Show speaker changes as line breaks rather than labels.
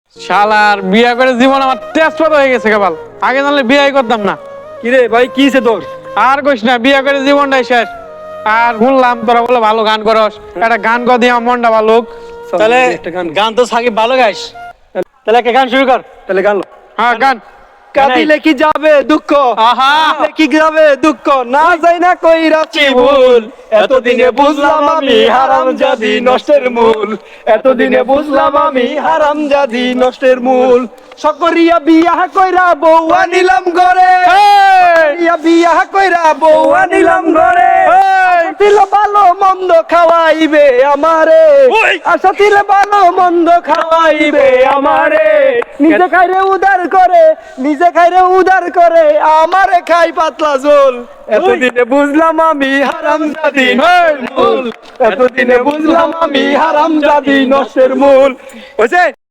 শালার বিয়া করে জীবন আমার তেজপাত হয়ে গেছে কেবল। আগে জানলে বিয়াই করতাম না।
কিরে ভাই কিছে তোর?
আর কইস না, বিয়া করে জীবনটাই শেষ। আর শুনলাম তোরা বলে ভালো গান করস, একটা গান কর দিয়ে আমার মনটা ভালো হোক।
তাহলে
একটা গান
গান তো সাকিব ভালো গাইস, তাহলে একটা গান শুরু কর।
তাহলে গান লো।
হ্যাঁ গান।
কাঁদিলে কি যাবে দুঃখ,
আহা
কাঁদিলে কি যাবে দুঃখ, না যাই না কইরাছি ভুল, এতদিনে বুঝলাম আমি হারামজাদি নষ্টের মূল, এতদিনে বুঝলাম আমি হারামজাদি নষ্টের মূল। সকরিয়া বিয়া কইরা বউ আনিলাম ঘরে, সকরিয়া বিয়া কইরা বউ আনিলাম ঘরে, দিল ভালো মন্দ খাওয়াইবে আমারে, আশা দিল ভালো মন্দ খাওয়াইবে আমারে, নিজে খাইরে উদার করে, নিজে খাইরে উদার করে, আমারে খাই পাতলা ঝোল, এতদিনে বুঝলাম আমি হারামজাদি নষ্টের মূল, এতদিনে বুঝলাম আমি হারামজাদি নষ্টের মূল। হইছে?